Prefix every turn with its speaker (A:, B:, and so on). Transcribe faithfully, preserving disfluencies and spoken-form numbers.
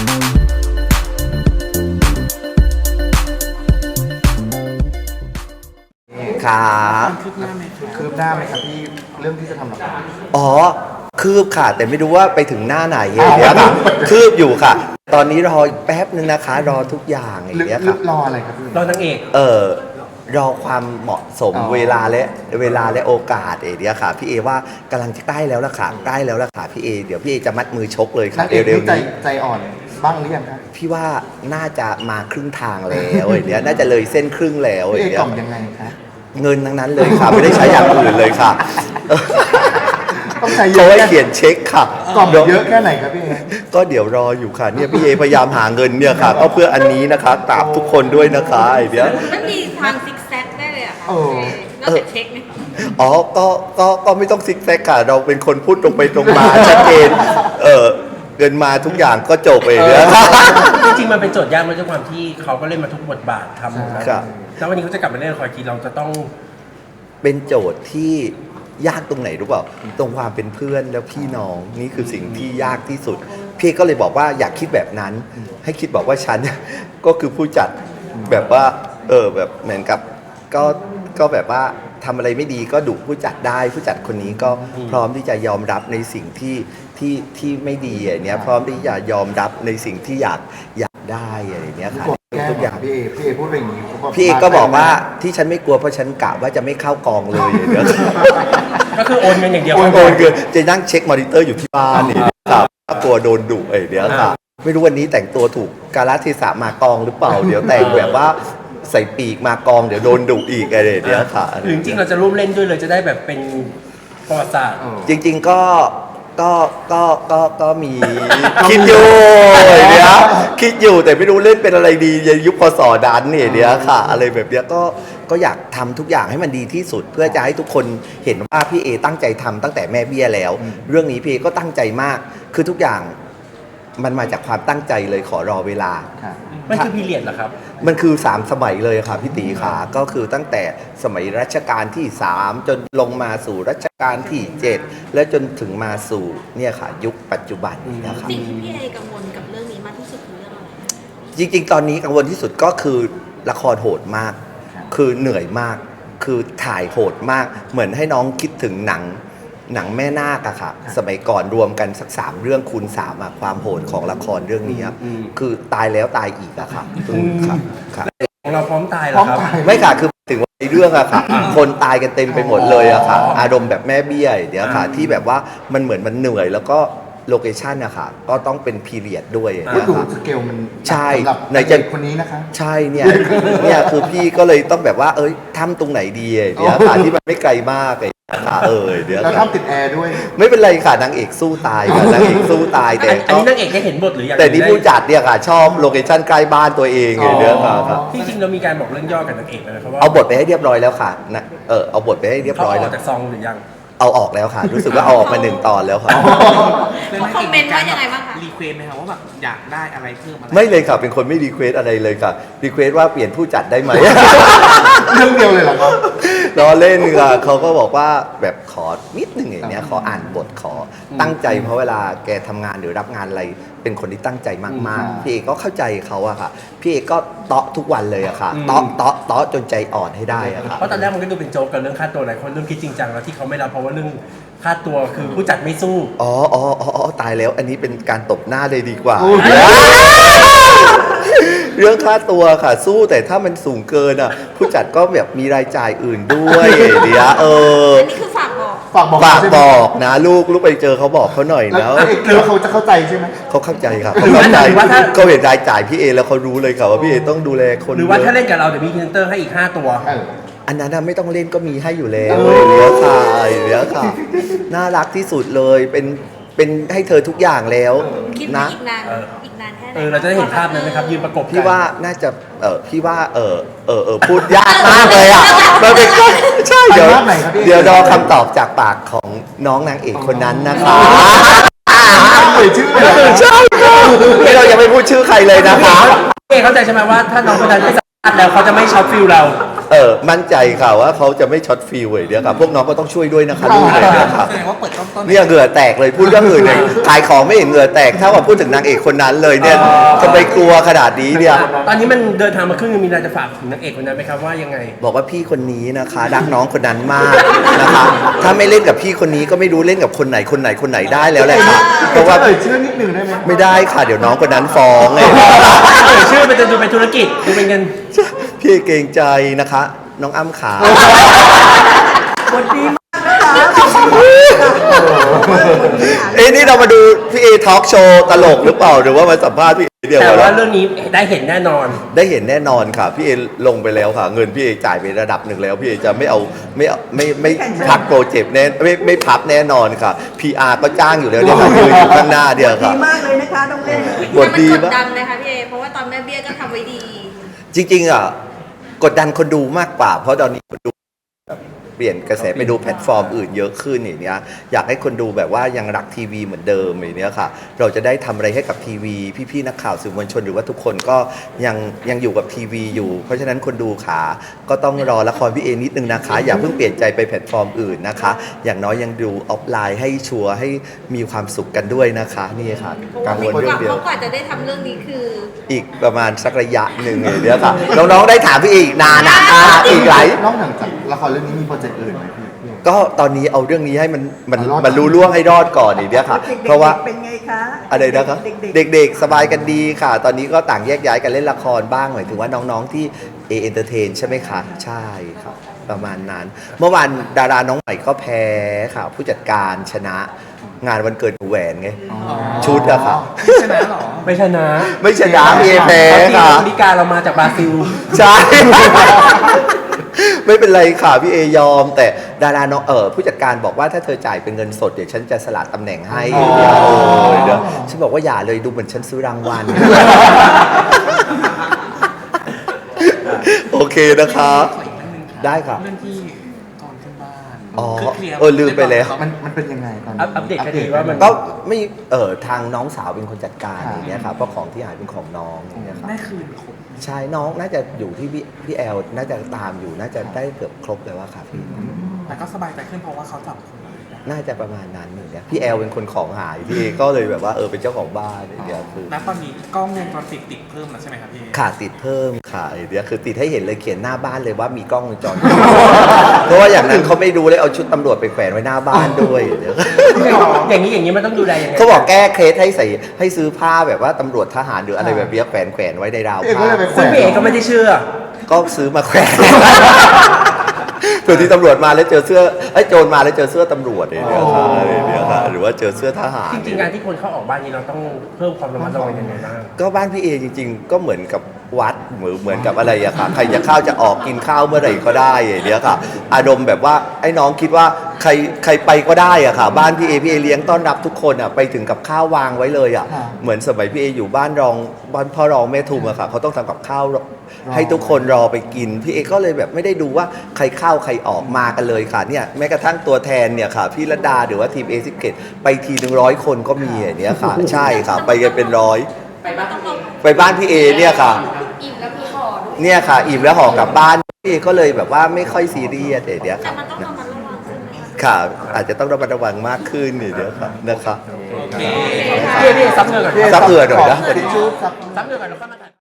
A: ครับ
B: คืบหน้าไหมครับ
C: คืบหน้าไหมครับที่เรื่องที่จะทำละคร
A: อ๋อคืบค่ะแต่ไม่รู้ว่าไปถึงหน้าไหนอย่างเงี้ยค่ะคืบอยู่ค่ะ ตอนนี้รออีกแป๊บนึงนะคะ รอทุกอย่างอย่าง
C: ลึก
A: เงี้ย
C: ลึ
A: ค่ะ
C: กรออะไรครับพี่
B: รอนางเอก
A: เออรอความเหมาะสม
C: อ๋อ
A: เวลาและเวลาและโอกาสเอเดียค่ะพี่เอว่ากำลังจะใกล้แล้วล่ะค่ะใกล้แล้วล่ะค่ะพี่เอเดี๋ยวพี่เอจะมัดมือชกเลยค่ะ
C: นางเอก
A: เร็ว
C: นี่
A: ๆ
C: ใจ
A: นี้
C: ใจอ่อนบ้างหรือยังครับ
A: พี่ว่าน่าจะมาครึ่งทางแล้วอย่างเงี้ยน่าจะเลยเส้นครึ่งแล้วอ
C: พี่เอย่าง
A: เงี้ย
C: กล่อมยังไงคะ
A: เงินทั้งนั้นเลยค่ะไม่ได้ใช้อย่างอื่นเลยค่ะ
C: ต้องใช้เย
A: เขา
C: อะ
A: ให้
C: แค่
A: เขียนเช็คค่ะ
C: กล่อมเยอะแค่ไหนครับพี่เอ
A: ก็เดี๋ยวรออยู่ค่ะเนี่ยพี่เอพยายามหาเงินเนี่ยค่ะก็เพื่ออันนี้นะคะกราบทุกคนด้วยนะคะไอเดีย
D: มันมีทางซิกแซกได้เลยเหรอะค่ะ
C: โอ้
D: นอกจากเช็คไหม
A: อ๋อก็ก็ก็ไม่ต้องซิกแซกค่ะ เราเป็นคนพูดตรงไปตรงมาชัดเจนเออเงินมาทุกอย่างก็จบเองเนี่ย
B: จริงๆมันเป็นโจทย์ยากมาด้วยความที่เขาก็เล่นมาทุกบทบาททำหมดแล้ว
A: ครับ
B: แล้ววันนี้เขาจะกลับมาเล่นละครกีเราจะต้อง
A: เป็นโจทย์ที่ยากตรงไหนรู้เปล่าตรงความเป็นเพื่อนแล้วพี่น้องนี่คือสิ่งที่ยากที่สุด พี่ก็เลยบอกว่าอยากคิดแบบนั้น ให้คิดบอกว่าฉัน ก็คือผู้จัดแบบว่าเออแบบเหมือนกับก็ก็แบบว่าทำอะไรไม่ดีก็ดุผู้จัดได้ ผู้จัดคนนี้ก็พร้อมที่จะยอมรับในสิ่งที่ที่ที่ไม่ดีอย่างเนี้ยพร้อมที่จะยอมรับในสิ่งที่อยากอยากได้อะไรเนี้ยค่ะ
C: แก้
A: ทุกอย่าง
C: พี่เอพี่เอพูดไปอย่างนี้เขา
A: พี่เอกก็บอกว่าที่ฉันไม่กลัวเพราะฉันกะว่าจะไม่เข้ากองเลยเดี๋ยว
B: ก็คือโอนเงินอย่างเดียว
A: โอนโอนคือจะนั่งเช็คมอนิเตอร์อยู่ที่บ้านนี่ครับกลัวโดนดุไอ้เดี๋ยวค่ะไม่รู้วันนี้แต่งตัวถูกกาลเทศะมากองหรือเปล่า เดี๋ยวแต่งแบบว่าใส่ปีกมากองเดี๋ยวโดนดุอีกอะไรเดี๋ยวค่ะ
B: หรือจริงๆเราจะร่วมเล่นด้วยเลยจะได้แบบเป็นประวัติศาสตร์
A: จริง ๆก็ก็ก็ก็ก็มี คิดอยู่เดี๋ยวคิดอยู่แต่ไม่รู้เล่นเป็นอะไรดีในยุคพศดันเนี่ยเดี๋ยวค่ะ อะไรแบบเนี้ยก็ก็อยากทำทุกอย่างให้มันดีที่สุด เพื่อจะให้ทุกคนเห็นว่าพี่เอตั้งใจทำตั้งแต่แม่เบี้ยแล้ว เรื่องนี้พี่เอก็ตั้งใจมากคือทุกอย่างมันมาจากความตั้งใจเลยขอรอเวลา
C: ค่ะ
B: มันคือพีเรียดเหรอครับ
A: มันคือสามสมัยเลยค่ะพี่ตีขาก็คือตั้งแต่สมัยรัชกาลที่สามจนลงมาสู่รัชกาลที่เจ็ดและจนถึงมาสู่เนี่ยค่ะ ยุคปัจจุบันนี้นะครับ
D: สิ่งที่พี่เอกังวลกับเรื่องนี้มากที่สุดคือเรื่องอะไร
A: จริงๆ ตอนนี้กังวลที่สุดก็คือละครโหดมาก คือเหนื่อยมาก คือถ่ายโหดมาก เหมือนให้น้องคิดถึงหนังหนังแม่นาคอะค่ะ สมัยก่อนรวมกันสักสามเรื่องคูณสามอะความโหดของละครเรื่องนี้อะ
B: อืม
A: คือตายแล้วตายอีกอะค่ะอืมค่ะค่ะ
B: ของเราพร้อมตายเหร
C: พร้อ
B: อ
C: ม
B: ครับ
C: ตาย
A: ไม่ค่ะ คือถึงว่าในเรื่องอะค่ะ คนตายกันเต็มไปหมดเลยอะค่ะ อารมณ์แบบแม่เบี้ยเดี๋ยวค่ะ ที่แบบว่ามันเหมือนมันเหนื่อยแล้วก็โลเคชันอะค่ะ ก็ต้องเป็นพีเรียดด้วย
C: ก็
A: เนี่ย
C: ดู
A: ค่ะ
C: สเกลมัน
A: ใช่
C: สำหรับ
A: ใน
C: นาย
A: จะ
C: เอกคนนี้นะคะ
A: ใช่เนี่ย เนี่ยคือพี่ก็เลยต้องแบบว่า เอ้ยทำตรงไหนดีเดี๋ยวค่ะที่มันไม่ไกลมากเลยค่ะเออเดี๋ยว
C: แล้ว
A: ค่ะ
C: ทำติดแอร์ด้วย
A: ไม่เป็นไรค่ะนางเอกสู้ตายค่ะนางเอกสู้ตายแต่
B: อันนี้นางเอกได้เห็นบทหรือยัง
A: แต่นี่ผู้จัดเนี่ยค่ะ ชอบโลเคชั่นใกล้บ้านตัวเอง
C: อ๋อ
A: เดี๋ยวค่ะครับ
B: ที่จริงเรามีการบอกเรื่องย่อกับนางเอกเลยครับว่า
A: เอาบทไปให้เรียบร้อยแล้วค่ะนะเออเอาบทไปให้เรียบ
B: เขา
A: ร้
B: อ
A: อย
B: อ
A: แล้
B: ก
A: ว
B: จากซองหรือยัง
A: เอาออกแล้วค่ะ รู้สึกว่าเอาออกมาหนึ่งตอนแล้วค่ะ
D: เขาคอมเมนต์ว่ายังไงบ้างคะ
E: รีเควสไหมครับว่าแบบอยากได้อะไรเพิ่มอะไร
A: ไม่เลยค่ะเป็นคนไม่รีเควสอะไรเลยค่ะรีเควสว่าเปลี่ยนผู้จัดได้ไหม
C: เรื่องเดียวเลยเหรอครับ
A: ล้อเล่นค่ะเขาก็บอกว่าแบบขอนิดหนึ่งอย่างเนี้ยขออ่านบทขอตั้งใจเพราะเวลาแกทำงานหรือรับงานอะไรเป็นคนที่ตั้งใจมากๆพี่เอกก็เข้าใจเขาอะค่ะพี่เอกก็เตาะทุกวันเลยอะค่ะ
B: อืม
A: เตาะเตาะเตาะจนใจอ่อนให้ได้อะค่ะ
B: เพราะตอนแรกมันก็ดูเป็นโจ๊กกับเรื่องค่าตัวหลายคนเริ่มคิดจริงจังแล้วที่เขาไม่รับเพราะว่าเรื่องค่าตัวคือผู้จัดไม่สู้
A: อ๋ออ๋ออ๋ออ๋อตายแล้ว อันนี้เป็นการตบหน้าเลยดีกว่า
C: อุ๊ย
A: เรื่องค่าตัวค่ะ สู้แต่ถ้ามันสูงเกินอ่ะ ผู้จัดก็แบบมีรายจ่ายอื่นด้วยเดี๋ยวเออ
D: อันนี้คือฝากบอก
C: ฝากบอก
A: ฝาก
C: ใช่ไหม
A: บอกนะลูกลูกไปเจอเขาบอกเขาหน่อย
C: แล้ว
A: นะ
C: นางเอกเจอเขาจะเข้าใจใช่ไหม
A: เขาเข้าใจครับเขาเข้าใจ
B: หรือว่าถ้า
A: เขาเห็นรายจ่ายพี่เอแล้วเขารู้เลยค่ะว่าพี่เอต้องดูแลคน
B: หรือว่า
A: เยะ
B: ถ้าเล่นกับเราเดี๋ยวมีพรีเซนเตอร์ให้อีกห้าตัว
C: เออ
A: อันนั้นน่ะไม่ต้องเล่นก็มีให้อยู่แล้ว
C: เออ
A: เดี๋ยวค่ะเดี๋ยวค่ะ น่ารักที่สุดเลยเป็นเป็นให้เธอทุกอย่างแล้ว
D: คิดว่า
A: นะ
D: อีกนาน
B: เออ
D: อีกนานแค่ไหน
B: เออเราจะได้เห็นภาพนั้นไหมครับยืนประกบกัน
A: พี่ว่าน่าจะเออพี่ว่าเออเออเออพูดยากมากเลยอ่ะมันเป็นก็ใช่เดี๋ยว
C: ภาพไหนครับพี่
A: เดี๋ยวรอคำตอบจากปากของน้องนางเอกคนนั้นนะคะ
C: เอ่ยชื่อเลยเหรอ
A: ใช่ค่ะนี่เรายังไม่พูดชื่อใครเลยนะคะ
B: เอเข้าใจใช่ไหมว่าถ้าน้องคนนั้นไม่สามารถแล้วเขาจะไม่ช็อตฟิลเรา
A: เออมั่นใจค่ะว่าเขาจะไม่ช็อตฟิลเลยเดี๋ยวครับพวกน้องก็ต้องช่วยด้วยนะคะลูกเลยเดี๋ยวครับ
E: แสดงว่าเปิดต้นต้น
A: เนี่ยเหงื่อแตกเลยพูดเรื่องอื่นเลยขายของไม่เห็นเหงื่อแตกเท่ากับพูดถึงนางเอกคนนั้นเลยเนี่ยจะไปกลัวขนาดนี้เนี่ย
B: ตอนนี้มันเดินทางมาครึ่งนึงมีอะไรจะฝากถึงนางเอกคนนั้นไหมครับว่ายังไง
A: บอกว่าพี่คนนี้นะคะรักน้องคนนั้นมากนะคะ ถ้าไม่เล่นกับพี่คนนี้ก็ไม่รู้เล่นกับคนไหนคนไหนคนไหนได้แล้วแหละค่ะเพราะว่า
C: เอ่ยชื่อนิดนึงได้ไหม
A: ไม่ได้ค่ะเดี๋ยวน้องคนนั้นฟ้องไง
B: เอ่ยชื่อมันจะดูเป็นธุรกิจดูเป็นเงิน
A: พี่เกรงใจนะคะ น้องอ้ำขา เอ้นี่เรามาดูพี่เอทอล์กโชว์ตลกหรือเปล่าหรือว่ามาสัมภาษณ์พี่เอเดียว
B: แต่ว่า
A: กัน
B: เรื่องนี้ได้เห็นแน่นอน
A: ได้เห็นแน่นอนค่ะพี่เอลงไปแล้วค่ะ เงินพี่เอจ่ายไประดับหนึ่งแล้วพี่เอจะไม่เอาไม่เอาไม่ไม่พักโปรเจกต์แน่ไม่ไม่พับแน่นอนค่ะ พี อาร์ ก็จ้างอยู่แล้วเนี่ยค่ะยืนอยู่ข้างหน้าเดียว
F: ดี
A: ค่ะ
F: มากเลยนะคะต้องเล่น
A: บทดี
D: แต่มันก
A: มาก
D: ดดันไหมคะพี่เอเพราะว่าตอนแม่เบี้ยก็ทำไว้ดี
A: จริงๆอ่ะกดดันคนดูมากกว่า เพราะตอนนี้คนดูแบบเปลี่ยนกระแสไปดูแพลตฟอร์มอื่นเยอะขึ้นอย่างเนี้ยอยากให้คนดูแบบว่ายังรักทีวีเหมือนเดิมอย่างเนี้ยค่ะ เราจะได้ทำอะไรให้กับทีวี พี่ๆนักข่าวสื่อมวลชนหรือว่าทุกคนก็ยังยังอยู่กับทีวีอยู่ เพราะฉะนั้นคนดูขาก็ต้องรอละครพี่เอนิดนึงนะคะ อย่าเพิ่งเปลี่ยนใจไปแพลตฟอร์มอื่นนะคะ อย่างน้อยยังดูออฟไลน์ให้ชัวร์ให้มีความสุขกันด้วยนะคะนี่ค่ะ
D: เพราะ
A: กั
D: ว่าง
A: วล
D: ก
A: เรื่อ
D: ว่าง
A: เดียว
D: เขากว่าจะได้ทำเรื่องนี้คือ
A: อีกประมาณสักระยะหนึ่งเลยเนี่ยค่ะ น้องๆได้ถามพี่เออีกนานนะอ่าอีกหลาย
C: นอกจากละครเรื่องนี้มีโปรเจกต์อื่นไหมพี่
A: ก็ตอนนี้เอาเรื่องนี้ให้มันมัน
C: รอด
A: มันรู้ล่วงให้รอดก่อนอีกเนี่ยค่ะ เพราะว่า
F: เป็นไงคะ
A: อะไรนะครับ
F: เด็ก
A: เด็กๆ สบายกันดีค่ะ ตอนนี้ก็ต่างแยกย้ายกันเล่นละครบ้างหมายถึงว่าน้องๆที่เอเอนเตอร์เทนใช่ไหมคะใช่ครับประมาณนั้น เมื่อวานดาราน้องใหม่ก็แพ้ค่ะ ผู้จัดการชนะงานวันเกิดหนูแหวนไงชุดอะค่ะ
E: ชนะเหรอ
B: ไม่ชนะ
A: ไม่ชนะเอแพ้
B: เพราะทีม
A: ค่ะ
B: อเมริกาเรามาจากบราซิล
A: ใช่ ไม่เป็นไรค่ะพี่เอยอม แต่ดาราน้องเออผู้จัดการบอกว่าถ้าเธอจ่ายเป็นเงินสดเดี๋ยวฉันจะสละตำแหน่งให้เดี๋ยวเดี๋ยวฉันบอกว่าอย่าเลยดูเหมือนฉันซื้อรางวัล โอเคนะคะ
E: ขออีกเรื่องหนึงค่ะ
A: ได้ค่ะ
E: เรื่องที่ก่อนขึ้นบ้าน
A: อ๋อ
E: คือคลียร์
A: เออลืมไปแล้ว
C: มันมันเป็นยังไงตอนนี้
B: อัปอัปเดตคดีว่ามัน
A: ก็ไม่เออทางน้องสาวเป็นคนจัดการอย่างเงี้ยค่ะเพราะของที่หายเป็นของน้องอย่างเงี้ยค่ะ
E: ได้คืนครบ
A: ใช่น้องน่าจะอยู่ที่พี่พี่แอลน่าจะตามอยู่น่าจะได้เกือบครบเลยว่าค่ะพี่
E: แต่ก็สบายใจขึ้นเพราะว่าเขาจับคนร้ายได้
A: น่าจะประมาณนั้นอย่างเงี้ยพี่แอลเป็นคนของหายพี่เอก็เลยแบบว่าเออเป็นเจ้าของบ้านอย่างเงี้ยคือ
E: ณตอนนี้กล้องวงจรปิดติดเพิ่มแล้วใช่ไหมครับพี่
A: ขาดติดเพิ่มค่ะอย่างเงี้ยคือติดให้เห็นเลยเขียนหน้าบ้านเลยว่ามีกล้องวงจรปิด เพราะว่าอย่างนั้นเขาไม่ดูเลยเอาชุดตำรวจไปแขวนไว้หน้าบ้านด้วยอย่างเงี้ย
B: อย่างนี้อย่างนี้มันต้องดูแลยังไง
A: เขาบอกแก้เคล็ดให้ใส่ให้ซื้อผ้าแบบว่าตำรวจทหารหรืออะไรแบบเนี้ยแขวนแขวนไว้ในราว
C: พี่เอก็
A: ผ้า
C: เลยไปแขว
B: ซึ่ง
C: น
B: พี่เอกก็ไม่ได้เชื่อ
A: ก็ซื้อมาแขวน เผื่อที่ตำรวจมาแล้วเจอเสื้อไอ้ยโจรมาแล้วเจอเสื้อตำรวจอย่างเงี้ยค่ะอย่างเงี้ยค่ะหรือว่าเจอเสื้อทหาร
B: จริงๆการที่คนเข้าออกบ้านนี้เราต้องเพิ่มความระมัดระวังยังไงบ้าง
A: ก็บ้านพี่เอจริงๆ ก็เหมือนกับวัดเหมือนเหมือนกับอะไรอะค่ะใครจะเข้าจะออกกินข้าวเมื่อไหร่ก็ได้อย่างเงี้ยค่ะ อารมณ์แบบว่าไอ้น้องคิดว่าใครใครไปก็ได้อะค่ะ บ้านพี่เอพี่เอเลี้ยงต้อนรับทุกคนอะไปถึงกับข้าววางไว้เลยอะเหมือนสมัยพี่เออยู่บ้านรองบ้านพ่อรองแม่ทุมอะค่ะเขาต้องทำกับข้าวให้ทุกคนรอไปกินพี่เอก็เลยแบบไม่ได้ดูว่าใครเข้าใครออกมากันเลยค่ะเนี่ยแม้กระทั่งตัวแทนเนี่ยค่ะพี่ระดาหรือว่าทีมเอซิเกตไปทีหนึ่งร้อยคนก็มีอย่างเนี้ยค่ะ ใช่ค่ะ ไปกันเป็นร้อย
D: ไปบ้านต้องลง
A: ไปบ้านพี่เอเนี่ยค่ะ
D: อิ่มแล้วมีห่อด้วย
A: เนี่ยค่ะ อิ่มแล้วห่อกลับบ้านพี่เอก็เลยแบบว่าไม่ค่อยซีเรียสเดี๋ยว
D: แต่
A: ค่ะ
D: มันต้องระมัดระวังใช่ไหมคะ
A: ค่ะ อาจจะต้องระมัดระวังมากขึ้นเดี๋ยวค่ะนะคะ
E: โอเค
B: พี่เอกพี่เอกซับเงินก่อน
A: ซับเอือหน่อยนะ
C: ทิชชู่ซับ
B: ซับเงินก่อนแล้วก็มา